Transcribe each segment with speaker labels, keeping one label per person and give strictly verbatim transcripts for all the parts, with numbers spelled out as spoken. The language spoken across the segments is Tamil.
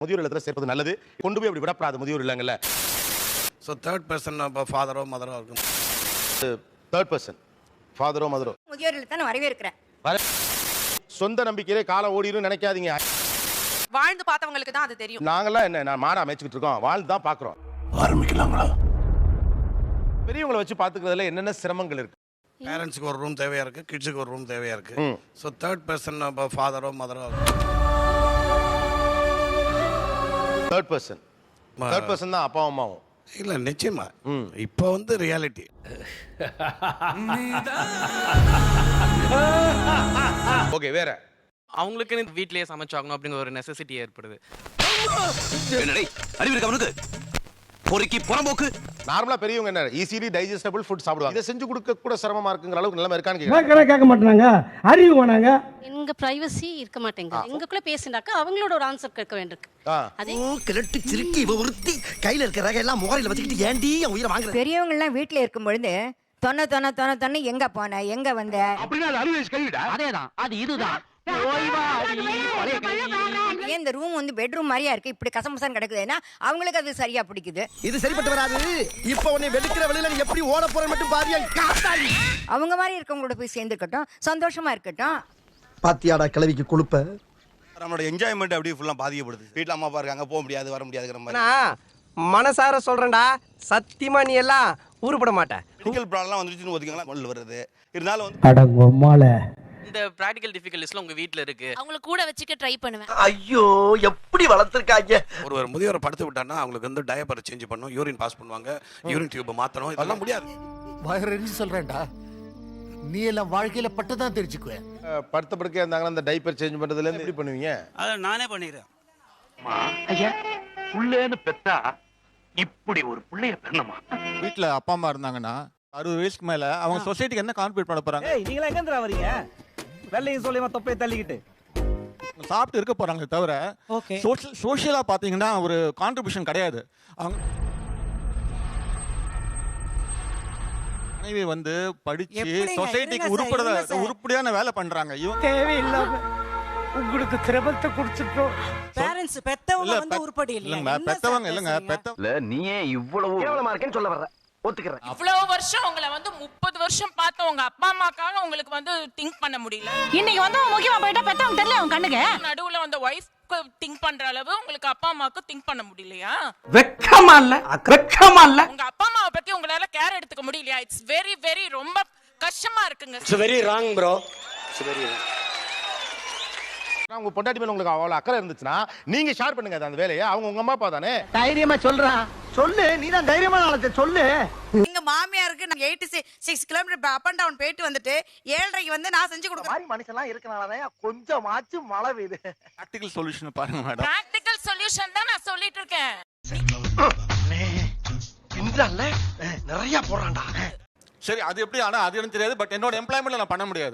Speaker 1: முதியோர் இல்லத்துல சேர்ப்பது நல்லது. கொண்டு போய் அப்படி விடப்படாது முதியோர் இல்லங்கள்ல.
Speaker 2: ஸோ தேர்ட் பர்சன் ஃபாதரோ மதரோ இருக்கும்.
Speaker 1: தேர்ட் பர்சன் ஃபாதரோ மதரோ
Speaker 3: முதியோர் இல்லத்தை நான் வரவேற்கிறேன்.
Speaker 1: சொந்த நம்பிக்கையிலே காலம் ஓடிடும் நினைக்காதீங்க.
Speaker 4: வாழ்ந்து பார்த்தவங்களுக்கு தான் அது தெரியும்.
Speaker 1: நாங்கெல்லாம் என்ன நான் மாடா மேய்ச்சிக்கிட்டு இருக்கோம், வாழ்ந்து தான் பார்க்குறோம்.
Speaker 2: ஆரம்பிக்கலாங்களா?
Speaker 1: பெரியவங்களை வச்சு பார்த்துக்கிறதுல என்னென்ன சிரமங்கள் இருக்கு?
Speaker 2: பேரண்ட்ஸுக்கு ஒரு ரூம் தேவையா இருக்கு, கிட்ஸுக்கு ஒரு ரூம் தேவையா இருக்கு. ஸோ தேர்ட் பர்சன் ஃபாதரோ மதரோ
Speaker 1: தேர்ட் பர்சன் தேர்ட் பர்சன் தான் அப்பா அம்மாவும்.
Speaker 2: இல்லை நிச்சயமா இப்போ வந்து ரியாலிட்டி.
Speaker 1: ஓகே, வேற
Speaker 5: அவங்களுக்கு வீட்லயே சமைச்சாகணும் அப்படிங்கிற ஒரு நெசசிட்டி ஏற்படுது.
Speaker 6: அறிவு இருக்கு அவனுக்கு, பொறுக்கி புறம்போக்கு.
Speaker 1: நார்மலா பெரியவங்க என்ன ஈஸிலி டைஜஸ்டபிள் ஃபுட் சாப்பிடுவாங்க. இதை செஞ்சு கொடுக்க கூட சிரமமா இருக்குங்கிற அளவுக்கு நிலைமை இருக்கான்னு
Speaker 7: கேட்க கேட்க மாட்டாங்க. அறிவு வேணாங்க.
Speaker 3: எங்க பிரைவசி இருக்க மாட்டேங்குது. எங்களுக்குள்ள பேசினாக்கா அவங்களோட ஒரு ஆன்சர் கேட்க வேண்டியிருக்கு.
Speaker 6: அதே கிழட்டு சிறுக்கி இவ ஒருத்தி கையில இருக்கிற ரக எல்லாம் முகரையில வச்சுக்கிட்டு ஏண்டி என் உயிரை வாங்குற?
Speaker 3: பெரியவங்க எல்லாம் வீட்டுல இருக்கும் பொழுது தொன்ன தொன்ன தொன்ன தொன்ன எங்க போன எங்க வந்த
Speaker 6: அப்படின்னா அது அறுபது வயசு கழிவிடா. அதேதான், அது இதுதான்.
Speaker 3: ஏன் இந்த ரூம் வந்து பெட்ரூம் மாதிரியா இருக்கு, இப்படி கசமசம் கிடக்குதுன்னா அவங்களுக்கு அது சரியா பிடிக்குது.
Speaker 6: இது சரிப்பட்டு வராது. இப்ப உன்னை வெளுக்கிற வெளியில நீ எப்படி ஓட போற மட்டும் பாரியா காத்தாடி.
Speaker 3: அவங்க மாதிரி இருக்கவங்களோட போய் சேர்ந்துக்கட்டும், சந்தோஷமா இருக்கட்டும்.
Speaker 6: பாத்தியாடா கிளவிக்கு கொழுப்ப.
Speaker 2: நம்மளோட என்ஜாய்மெண்ட் அப்படியே ஃபுல்லா பாதிக்கப்படுது. வீட்டில் அம்மா அப்பா இருக்காங்க, போக முடியாது வர முடியாதுங்கிற மாதிரி.
Speaker 8: மனசார சொல்றேன்டா, சத்தியமா நீ எல்லாம் ஊருப்பட மாட்டேன்.
Speaker 2: மெடிக்கல் ப்ராப்ளம்லாம் வந்துருச்சுன்னு ஒதுக்கலாம் கொண்டு வருது. இருந்தாலும் வந்து
Speaker 5: இந்த பிராக்டிகல் டிஃபிகல்டிஸ்லாம் உங்க வீட்ல இருக்கு,
Speaker 4: அவங்கள கூட வச்சுக்க ட்ரை பண்ணுவேன்.
Speaker 6: ஐயோ எப்படி வளர்த்திருக்காங்க.
Speaker 2: ஒரு ஒரு முதியோரை படுத்து விட்டான்னா அவங்களுக்கு வந்து டயப்பரை சேஞ்ச் பண்ணணும், யூரின் பாஸ் பண்ணுவாங்க, யூரின் டியூப் மாத்தணும், இதெல்லாம் முடியாது.
Speaker 9: வயரஞ்சு சொல்றேன்டா, நீ எல்லாம் வாழ்க்கையில பட்டுதான் தெரிஞ்சுக்குவேன்.
Speaker 1: படுத்த படுக்கையா இருந்தாங்கன்னா அந்த டைப்பர் சேஞ்ச் பண்றதுல இருந்து எப்படி பண்ணுவீங்க?
Speaker 8: அதை நானே பண்ணிடுறேன்.
Speaker 6: ஐயா புள்ளேன்னு பெத்தா இப்படி ஒரு புள்ளைய பெண்ணமா?
Speaker 9: வீட்டுல அப்பா அம்மா இருந்தாங்கன்னா அறுபது வயசுக்கு மேல அவங்க சொசைட்டிக்கு என்ன கான்ட்ரிபியூட் பண்ண போறாங்க?
Speaker 8: நீங்களா எங்க இருந்து வரீங்க? வெள்ளையும் சொல்லியமா தொப்பையை தள்ளிக்கிட்டு
Speaker 9: சாப்பிட்டு இருக்க போறாங்க தவிர சோஷியலா பாத்தீங்கன்னா ஒரு கான்ட்ரிபியூஷன் கிடையாது. அவங்க மனைவி வந்து படிச்சு சொசைட்டிக்கு உருப்பட உருப்படியான வேலை பண்றாங்க. இவங்க
Speaker 7: தேவையில்லாம உங்களுக்கு திரவத்தை குடிச்சிட்டோம்.
Speaker 8: பேரண்ட்ஸ் பெத்தவங்க வந்து உருப்படி
Speaker 9: இல்லங்க, பெத்தவங்க இல்லங்க, பெத்த
Speaker 6: நீயே இவ்வளவு கேவலமா இருக்கேன்னு சொல்ல வர்ற. ஒத்துக்கிறேன்.
Speaker 4: இவ்வளவு வருஷம் உங்களை வந்து முப்பது வருஷம் பார்த்த உங்க அப்பா அம்மாக்காக உங்களுக்கு வந்து திங்க் பண்ண முடியல. இன்னைக்கு வந்து முக்கியமா போயிட்டா பெத்தவங்க தெரியல அவங்க கண்ணுக்கு. நடுவுல வந்து வைஃப் திங்க் பண்ற அளவு உங்களுக்கு அப்பா அம்மாவுக்கு திங்க் பண்ண முடியலையா?
Speaker 8: வெக்கமா இல்ல, வெக்கமா இல்ல.
Speaker 4: உங்க அப்பா அம்மாவை பத்தி உங்களால கேர் எடுத்துக்க முடியலையா? இட்ஸ் வெரி வெரி ரொம்ப கஷ்டமா இருக்குங்க.
Speaker 8: It's very wrong bro.
Speaker 2: It's very
Speaker 1: உங்க பொண்டாட்டி மேல உங்களுக்கு அவ்வளவு அக்கறை இருந்துச்சுன்னா நீங்க ஷேர் பண்ணுங்க அந்த வேலையை. அவங்க உங்க அம்மா அப்பா தானே.
Speaker 6: தைரியமா சொல்றா, சொல்லு. நீ தான் தைரியமான ஆளத்தை சொல்லு.
Speaker 4: எங்க மாமியாருக்கு நான் eighty six kilometre up and down போயிட்டு வந்துட்டு ஏழரைக்கு வந்து நான் செஞ்சு கொடுக்குறேன்.
Speaker 6: மாதிரி மனுஷன்லாம் இருக்கனாலதான் கொஞ்சமாச்சும் மழை பெய்யுது.
Speaker 9: பிராக்டிகல் சொல்யூஷன் பாருங்க மேடம்.
Speaker 4: பிராக்டிகல் சொல்யூஷன் தான் நான் சொல்லிட்டு இருக்கேன்.
Speaker 6: பின்றால நிறைய போறான்டா.
Speaker 9: சரி, அது எப்படி? ஆனா அது எனக்கு தெரியாது. பட் என்னோட எம்ப்ளாய்மெண்ட்ல நான் பண்ண முடியாது.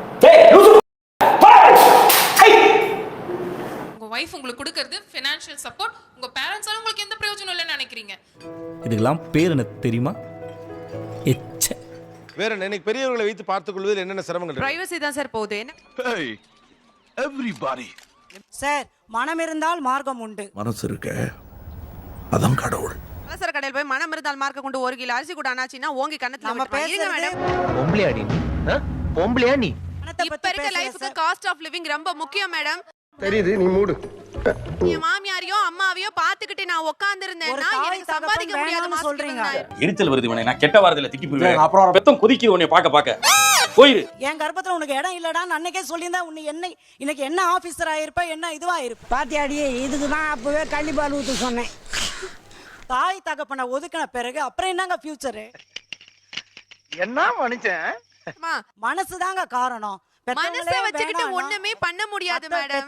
Speaker 4: உங்க வைஃப் உங்களுக்கு கொடுக்கிறது ஃபைனான்ஷியல் சப்போர்ட். உங்க பேரண்ட்ஸால உங்களுக்கு எந்த பிரயோஜனம் இல்லைன்னு நினைக்கிறீங்க?
Speaker 10: இதுக்கெல்லாம் பேர் என்ன தெரியுமா? எச்ச.
Speaker 1: வேற என்ன? இன்னைக்கு பெரியவர்களை வைத்து பார்த்துக் கொள்வதில் என்னென்ன சிரமங்கள் இருக்கு?
Speaker 4: பிரைவசி தான் சார் போகுது.
Speaker 2: எவ்ரிபாடி.
Speaker 8: சார், மனம் இருந்தால் மார்க்கம் உண்டு.
Speaker 2: மனசு இருக்க அதான் கடவுள்.
Speaker 4: அவசர கடையில் போய் மனம் இருந்தால் மார்க்க கொண்டு ஒரு கிலோ அரிசி கூட அனாச்சினா ஓங்கி கண்ணத்துல
Speaker 8: நம்ம பேசுங்க
Speaker 4: மேடம்.
Speaker 6: பொம்பளையாடி நீ? பொம்பளையா நீ?
Speaker 4: இப்ப இருக்க லைஃப்க்கு காஸ்ட் ஆஃப் லிவிங் ரொம்ப முக்கியம் மேடம்.
Speaker 6: தெரியுது, நீ மூடு.
Speaker 4: என் மாமியாரையோ அம்மாவையோ பாத்துக்கிட்டு நான் உட்கார்ந்து இருந்தேன்னா எனக்கு சம்பாதிக்க முடியாதுன்னு சொல்றீங்க.
Speaker 10: எரிச்சல் வருது உனே. நான் கெட்ட வார்த்தையில திக்கி போயிடுவேன். அப்புறம் பெத்தம் கொதிக்குது உன்னை பாக்க பாக்க. போயிரு.
Speaker 8: என் கர்ப்பத்துல உனக்கு இடம் இல்லடான்னு அன்னைக்கே சொல்லியிருந்தா உன்னை என்ன இன்னைக்கு என்ன ஆபீசர் ஆயிருப்ப, என்ன இதுவா இருப்ப.
Speaker 7: பாத்தியாடி, இதுக்குதான் அப்பவே கள்ளிப்பால் ஊத்து சொன்னேன்.
Speaker 8: தாய் தகப்பனை ஒதுக்கின பிறகு அப்புறம் என்னங்க ஃபியூச்சரு?
Speaker 6: என்ன மனுஷன்?
Speaker 8: மனசுதாங்க காரணம்.
Speaker 4: மனசை வச்சுக்கிட்டு ஒண்ணுமே பண்ண முடியாது மேடம்.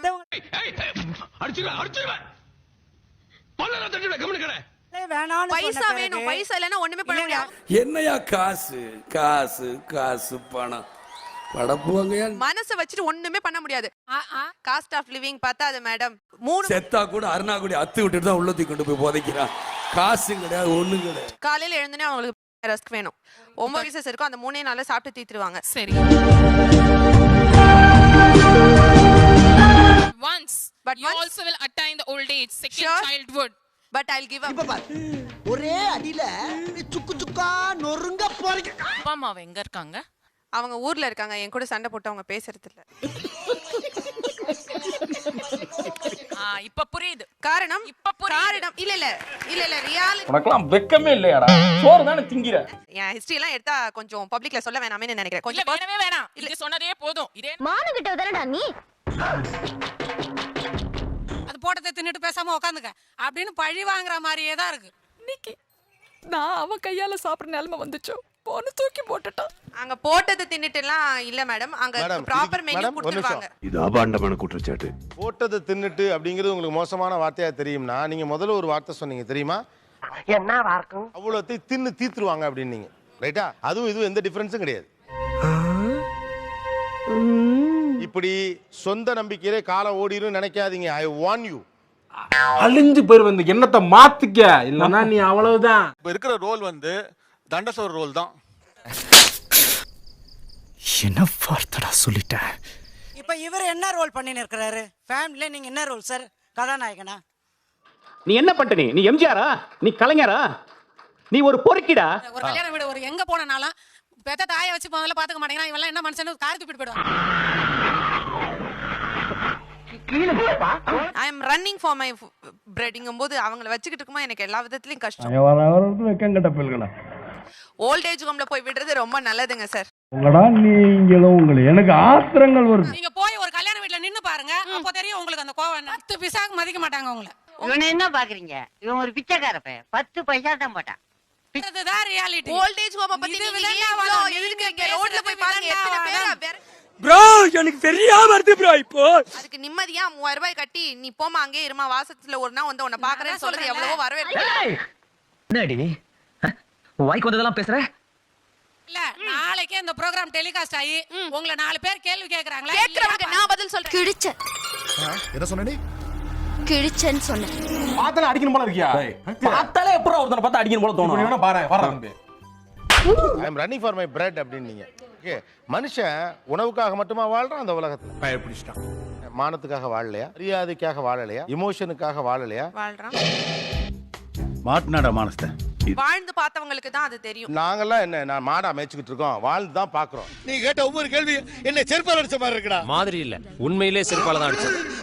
Speaker 4: பைசா வேணும், பைசா இல்லைன்னா ஒண்ணுமே பண்ண முடியாது.
Speaker 2: என்னையா காசு காசு காசு பணம் படப்புவாங்க.
Speaker 4: மனசை வச்சுட்டு ஒண்ணுமே பண்ண முடியாது. காஸ்ட் ஆஃப் லிவிங் பார்த்தா அது மேடம் மூணு
Speaker 2: செத்தா கூட அருணாக்குடி அத்து விட்டுட்டு தான் உள்ளத்தி கொண்டு போய் புதைக்கிறான். காசு கிடையாது, ஒண்ணும் கிடையாது.
Speaker 4: காலையில எழுந்துனே அவங்களுக்கு ரஸ்க் வேணும். ஒன்பது பீசஸ் இருக்கும், அந்த மூணே நாள்ல சாப்பிட்டு தீத்துருவாங்க. சரி, once But you also will attain the old age, second childhood.
Speaker 8: But I will give up.
Speaker 6: ஒரே அடியில சுக்கு சுக்கா நொறுங்க போறீங்க.
Speaker 4: அப்பா அம்மா எங்க இருக்காங்க?
Speaker 8: அவங்க ஊர்ல இருக்காங்க. என் கூட சண்டை போட்டு அவங்க பேசுறது இல்ல.
Speaker 4: ஆ இப்ப புரியுது.
Speaker 8: காரணம்
Speaker 4: இப்ப புரியுது.
Speaker 8: காரணம் இல்ல இல்ல இல்ல இல்ல ரியாலிட்டி.
Speaker 10: உனக்கெல்லாம் வெக்கமே இல்லையாடா? சோறு தானே திங்கிற.
Speaker 8: என் ஹிஸ்டரி எல்லாம் எடுத்தா கொஞ்சம் பப்ளிக்ல சொல்ல வேணாமே நினைக்கிறேன்.
Speaker 4: இல்ல
Speaker 8: கொஞ்சம்
Speaker 4: வேணவே வேணாம். இது சொன்னதே போதும். இதே
Speaker 3: மானுகிட்ட தானடா நீ
Speaker 8: அது போட்டதை தின்னுட்டு பேசாம உட்காந்துக்க அப்படின்னு பழி வாங்குற மாதிரியே தான் இருக்கு.
Speaker 4: இன்னைக்கு நான் அவ கையால சாப்பிடுற நிலைமை வந்துச்சோ போன தூக்கி போட்டுட்டான்.
Speaker 8: அங்க போட்டதை தின்னுட்டு எல்லாம் இல்ல மேடம். அங்க
Speaker 1: மேடம்,
Speaker 8: ப்ராப்பர்
Speaker 1: இதுக்கு-
Speaker 8: மெனு
Speaker 1: மேடம், ஒரு
Speaker 8: கொடுத்துருவாங்க.
Speaker 11: இது அபாண்டமான குற்றச்சாட்டு.
Speaker 1: போட்டதை தின்னுட்டு அப்படிங்கிறது உங்களுக்கு மோசமான வார்த்தையா தெரியும்னா நீங்க முதல்ல ஒரு வார்த்தை சொன்னீங்க தெரியுமா?
Speaker 6: என்ன வார்க்கும்?
Speaker 1: அவ்வளோத்தை தின்னு தீத்துருவாங்க அப்படின்னீங்க. ரைட்டா? அதுவும் இதுவும் எந்த டிஃபரன்ஸும் கிடையாது. இப்படி சொந்த நம்பிக்கையிலே காலம் ஓடிரும் நினைக்காதீங்க. I warn you.
Speaker 10: அழிஞ்சு போயிருவ. இந்த எண்ணத்தை மாத்திக்க, இல்லன்னா நீ அவ்வளவுதான்.
Speaker 9: இப்போ இருக்கிற ரோல் வந்து தண்டசோர் ரோல் தான்.
Speaker 6: என்ன வார்த்தடா சொல்லிட்டேன்.
Speaker 8: இப்ப இவர் என்ன ரோல் பண்ணி இருக்கிறாரு ஃபேமிலில? நீங்க என்ன ரோல் சார்? கதாநாயகனா?
Speaker 10: நீ என்ன பண்ணிட்ட? நீ நீ எம்ஜிஆரா? நீ கலைஞரா? நீ ஒரு பொறுக்கிடா.
Speaker 8: ஒரு கல்யாண வீடு ஒரு எங்க போனாலும் பெத்த தாயை வச்சு முதல்ல பாத்துக்க மாட்டேங்கிறான். இவெல்லாம் என்ன மனுஷன் காரி துப்பிட்டு போயிடுவான். I am running for my பிரெட்ங்கும் போது அவங்கள வச்சுக்கிட்டு இருக்கும்போது எனக்கு எல்லா விதத்துலயும் கஷ்டம்.
Speaker 7: வெக்கங்கட்ட பிள்ளைகளா
Speaker 8: ஓல்ட் ஏஜ் ஹோம்ல போய் விடுறது ரொம்ப நல்லதுங்க சார்.
Speaker 7: உங்களடா நீங்களும் உங்களை எனக்கு ஆத்திரங்கள் வருது.
Speaker 8: நீங்க போய் ஒரு கல்யாண வீட்ல நின்னு பாருங்க, அப்போ தெரியும் உங்களுக்கு அந்த கோவம். பத்து பிசாக்கு மதிக்க மாட்டாங்க உங்களை.
Speaker 3: இவனை என்ன பாக்குறீங்க? இவன் ஒரு பிச்சைக்கார பையன். பத்து பைசா தான் போட்டான்.
Speaker 8: இதுதான் ரியாலிட்டி.
Speaker 12: ஓல்ட் ஏஜ் ஹோம் பத்தி
Speaker 8: இது
Speaker 12: நீங்க
Speaker 8: விளையாட்டா
Speaker 12: இவ்ளோ
Speaker 8: வரும்.
Speaker 12: எதுக்கு ரோட்ல போய் பாருங்க
Speaker 8: விளையாட்டா
Speaker 12: எத்தனை பேர்
Speaker 8: வரும்.
Speaker 12: வேற-
Speaker 10: ப்ரோ எனக்கு சரியா வருது ப்ரோ. இப்போ
Speaker 12: அதுக்கு நிம்மதியா மூவாயிரம் ரூபாய் கட்டி நீ போமா அங்கே இருமா வாசத்துல ஒரு நாள் வந்து உன்னை பாக்குறேன்னு சொல்றது எவ்வளவோ வரவேற்பு.
Speaker 6: என்னடி வாய்க்கு வந்ததெல்லாம் பேசுற?
Speaker 8: இல்ல நாளைக்கே இந்த ப்ரோகிராம் டெலிகாஸ்ட் ஆகி உங்களை நாலு பேர் கேள்வி கேக்குறாங்களா?
Speaker 12: கேக்குறவங்க நான் பதில் சொல்றேன்.
Speaker 3: கிழிச்ச
Speaker 11: என்ன சொன்னே?
Speaker 3: கிழிச்சன்னு சொன்னேன்.
Speaker 10: பார்த்தாலே அடிக்கணும் போல இருக்கியா? பார்த்தாலே எப்பறம் ஒருத்தனை பார்த்தா அடிக்கணும் போல தோணும். நீ பாரு வர தம்பி.
Speaker 1: I am running for my bread அப்படின்னீங்க. ஓகே, மனுஷன் உணவுக்காக மட்டுமா வாழ்றான் அந்த உலகத்துல?
Speaker 9: பயப்பிடிச்சிட்டான்.
Speaker 1: மானத்துக்காக வாழலையா? மரியாதைக்காக வாழலையா? இமோஷனுக்காக வாழலையா?
Speaker 8: வாழ்றான்.
Speaker 11: மாட்னாடா மானஸ்த.
Speaker 8: வாழ்ந்து பார்த்தவங்களுக்கு தான் அது தெரியும்.
Speaker 1: நாங்கெல்லாம் என்ன நான் மாடா மேய்ச்சிக்கிட்டு இருக்கோம், வாழ்ந்து தான் பாக்குறோம்.
Speaker 6: நீ கேட்ட ஒவ்வொரு கேள்வி என்ன செருப்பால் அடிச்ச மாதிரி இருக்குடா.
Speaker 5: மாதிரி இல்ல உண்மையிலே செருப்பால தான் அடிச்சது.